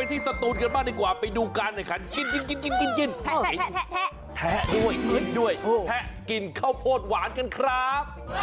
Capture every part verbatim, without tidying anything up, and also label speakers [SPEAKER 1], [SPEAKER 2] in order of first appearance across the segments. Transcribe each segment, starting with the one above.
[SPEAKER 1] กันที่สตูลกันบ้างดีกว่าไปดูการแข่งขันกินกินกินกินกินกิน
[SPEAKER 2] แทะแทะแทะแทะ
[SPEAKER 1] แทะด้วยกินด้วยแทะกินข้าวโพดหวานกันครับ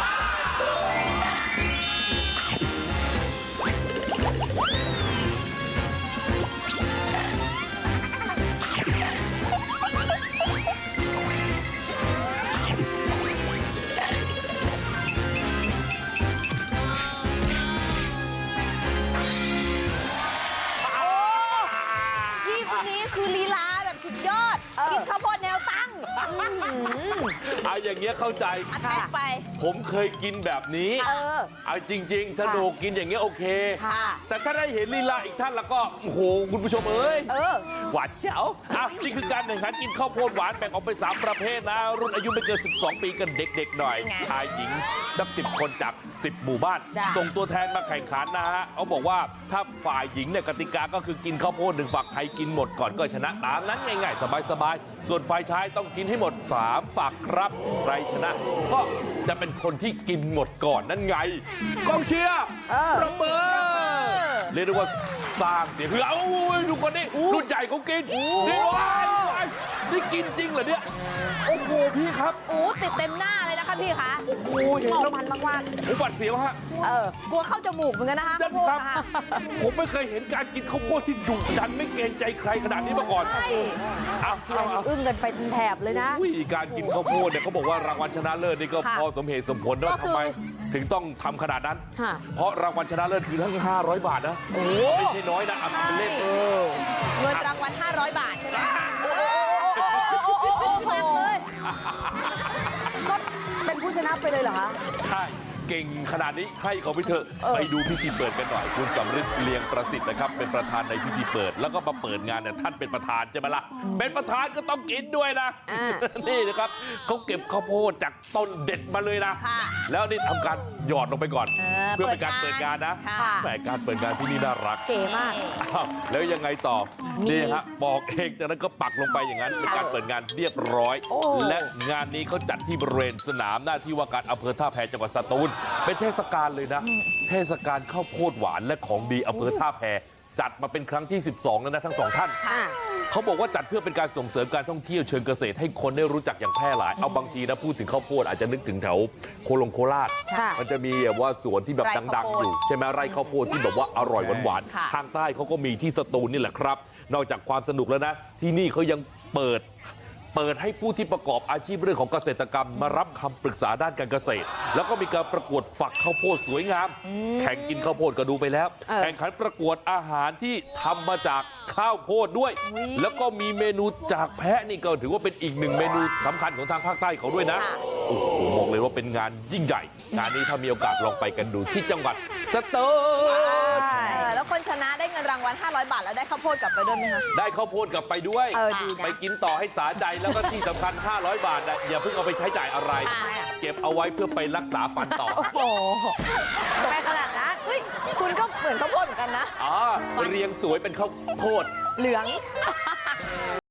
[SPEAKER 2] พี่คนนี้คือลีลาแบบสุดยอดกินข้าวโพดแนวตั้ง
[SPEAKER 1] เอาอย่างเงี้ยเข้าใจ
[SPEAKER 2] อัดแทะไป
[SPEAKER 1] ผมเคยกินแบบนี้
[SPEAKER 2] เออ
[SPEAKER 1] เอาจริง ๆ สนุกกินอย่างเงี้ยโอเค
[SPEAKER 2] ค่ะ
[SPEAKER 1] แต่ถ้าได้เห็นลีลาอีกท่านแล้วก็โอ้โหคุณผู้ชมเอ้ย
[SPEAKER 2] เออ
[SPEAKER 1] หวานเจ๋วอ่ะนี่คือการแข่งขันกินข้าวโพดหวานแบ่งออกเป็นสามประเภทนะ รุ่นอายุไม่เกินสิบสองปีกันเด็กๆหน่อย
[SPEAKER 2] ไง
[SPEAKER 1] ชายหญิงนับสิบคนจากสิบหมู่บ้าน
[SPEAKER 2] จ้ะ
[SPEAKER 1] ส่งตัวแทนมาแข่งขันนะฮะเขาบอกว่าถ้าฝ่ายหญิงเนี่ยกติกาก็คือกินข้าวโพดหนึ่งฝักใครกินหมดก่อนก็ชนะตามนั้นง่ายๆสบายๆส่วนฝ่ายชายต้องกินให้หมดสามฝักครับใครชนะ ก็จะเป็นคนที่กินหมดก่อนนั่นไงกองเชียร์
[SPEAKER 2] เออ
[SPEAKER 1] ประเมินเรียกได้ว่าสร้างเสียงคือเอาดูคนนี้รุ่นใหญ่เขากินนี่ว้ายว้ายนี่กินจริงเหรอเนี่ยโอ้โหพี่ครับ
[SPEAKER 2] โอ้ติดเต็มหน้าเลยนะคะพี่คะ
[SPEAKER 1] โอ้โหเห็น
[SPEAKER 2] มอง
[SPEAKER 1] แล้ว
[SPEAKER 2] มันมาก
[SPEAKER 1] ผมบัดเสียวฮะ
[SPEAKER 2] ๆเออกลัวเข้าจมูกเหมือนกันนะคะ
[SPEAKER 1] นั่น
[SPEAKER 2] ข้าวโพด
[SPEAKER 1] ครับ
[SPEAKER 2] นะคะ
[SPEAKER 1] ผมไม่เคยเห็นการกินข้าวโพดที่ดุดันไม่เกรงใจใครขนาดนี้มาก่อน
[SPEAKER 2] ใช่
[SPEAKER 1] เอา
[SPEAKER 3] เชีย
[SPEAKER 1] เอา
[SPEAKER 3] ร์นี่
[SPEAKER 1] เอา
[SPEAKER 3] อึ้งกันไปเป็นแถบเลยนะ
[SPEAKER 1] อุ้ยการกินข้าวโพดเนี่ยเขาบอกว่ารางวัลชนะเลิศนี่ก็พอสมเหตุสมผลว่าทำไมถึงต้องทำขนาดนั้น
[SPEAKER 3] ค่ะ
[SPEAKER 1] เพราะรางวัลชนะเลิศคือทั้งห้าร้อยบาทนะ
[SPEAKER 2] โอ้
[SPEAKER 1] ไม่ใช่น้อยนะเอาทำเป็นเล่นเออ
[SPEAKER 2] เงินรางวัลห้าร้อยบาทใช่ไหมเออ
[SPEAKER 3] แพงเลยก็เป็นผู้ชนะไปเลยเหรอคะ
[SPEAKER 1] ใช่เก่งขนาดนี้ให้เขาไปเถอะ
[SPEAKER 3] เออ
[SPEAKER 1] ไปดูพิธีเปิดกันหน่อยคุณสำริดเลียงประสิทธิ์นะครับเป็นประธานในพิธีเปิด แล้วก็มาเปิดงานเนี่ยท่านเป็นประธานใช่ไหมล่ะเป็นประธานก็ต้องกินด้วยนะ
[SPEAKER 3] อ่า
[SPEAKER 1] นี่นะครับเขาเก็บข้าวโพดจากต้นเด็ดมาเลยนะ
[SPEAKER 2] ค่ะ
[SPEAKER 1] แล้วนี่ทำการหยอดลงไปก่อน
[SPEAKER 2] เออ
[SPEAKER 1] เพื่อเป็นการเปิดงานนะ
[SPEAKER 2] ค่ะ
[SPEAKER 1] แหมการเปิดงานที่นี่น่ารัก
[SPEAKER 3] เก๋มาก
[SPEAKER 1] อ้าวแล้วยังไงต่อ
[SPEAKER 3] มี
[SPEAKER 1] นี่ฮะบอกเองจากนั้นก็ปักลงไปอย่างนั้นเป็นการเปิดงานเรียบร้อย
[SPEAKER 3] โอ้
[SPEAKER 1] และงานนี้เขาจัดที่บริเวณสนามหน้าที่ว่าการอำเภอท่าแพจังหวัดสตูลเป็นเทศกาลเลยนะ เทศกาลข้าวโพดหวานและของดีอำเภอท่าแพจัดมาเป็นครั้งที่สิบสองแล้วนะทั้งสองท่าน
[SPEAKER 3] อ่ะ
[SPEAKER 1] เขาบอกว่าจัดเพื่อเป็นการส่งเสริมการท่องเที่ยวเชิงเกษตรให้คนได้รู้จักอย่างแพร่หลาย เอาบางทีนะพูดถึงข้าวโพดอาจจะนึกถึงแถวโคลงโคราช
[SPEAKER 3] ค่ะ
[SPEAKER 1] มันจะมีแบบว่าสวนที่แบบ
[SPEAKER 2] ไร่
[SPEAKER 1] ดั
[SPEAKER 2] ข้าง ว
[SPEAKER 1] ๆ
[SPEAKER 2] โพด
[SPEAKER 1] อยู่ใช่ไหมไร่ข้าวโพดที่แบบว่าอร่อยหวาน
[SPEAKER 2] ค่ะ
[SPEAKER 1] ๆทางใต้เขาก็มีที่สตูลนี่แหละครับ นอกจากความสนุกแล้วนะ ที่นี่เขายังเปิด เปิดให้ผู้ที่ประกอบอาชีพเรื่องของเกษตรกรรมมารับคำปรึกษาด้านการเกษตร แล้วก็มีการประกวดฝักข้าวโพดสวยงาม แข่งกินข้าวโพดก็ดูไปแล้ว
[SPEAKER 3] เออ
[SPEAKER 1] แข่งขันประกวดอาหารที่ทำมาจากข้าวโพดด้วย แล้วก็มีเมนูจากแพะนี่ก็ถือว่าเป็นอีกหนึ่งเมนูสำคัญของทางภาคใต้เขาด้วยนะ
[SPEAKER 2] ค่ะ
[SPEAKER 1] โอ้โหบอกเลยว่าเป็นงานยิ่งใหญ่ งานนี้ถ้ามีโอกาสลองไปกันดูที่จังหวัดสตูล
[SPEAKER 2] เออแล้วคนชนะได้เงินรางวัลห้าร้อยบาทแล้วได้ข้าวโพดกลับไปด้วยไหมคะ
[SPEAKER 1] ได้ข้าวโพดกลับไปด้วย
[SPEAKER 3] เออดีนะ
[SPEAKER 1] ไปกินต่อให้สาใจแล้วก็ที่สำคัญ ห้าร้อย บาทนะอย่าเพิ่งเอาไปใช้จ่ายอะไร
[SPEAKER 2] อ่า
[SPEAKER 1] เก็บเอาไว้เพื่อไปรักษาฟันต่อ
[SPEAKER 3] โอ้โหไปขนาดนั้น
[SPEAKER 2] เฮ้ยคุณก็เหมือนข้าวโพดเหมือนกันนะ
[SPEAKER 1] อ๋อเรียงสวยเป็นข้าวโพด
[SPEAKER 2] เหลือง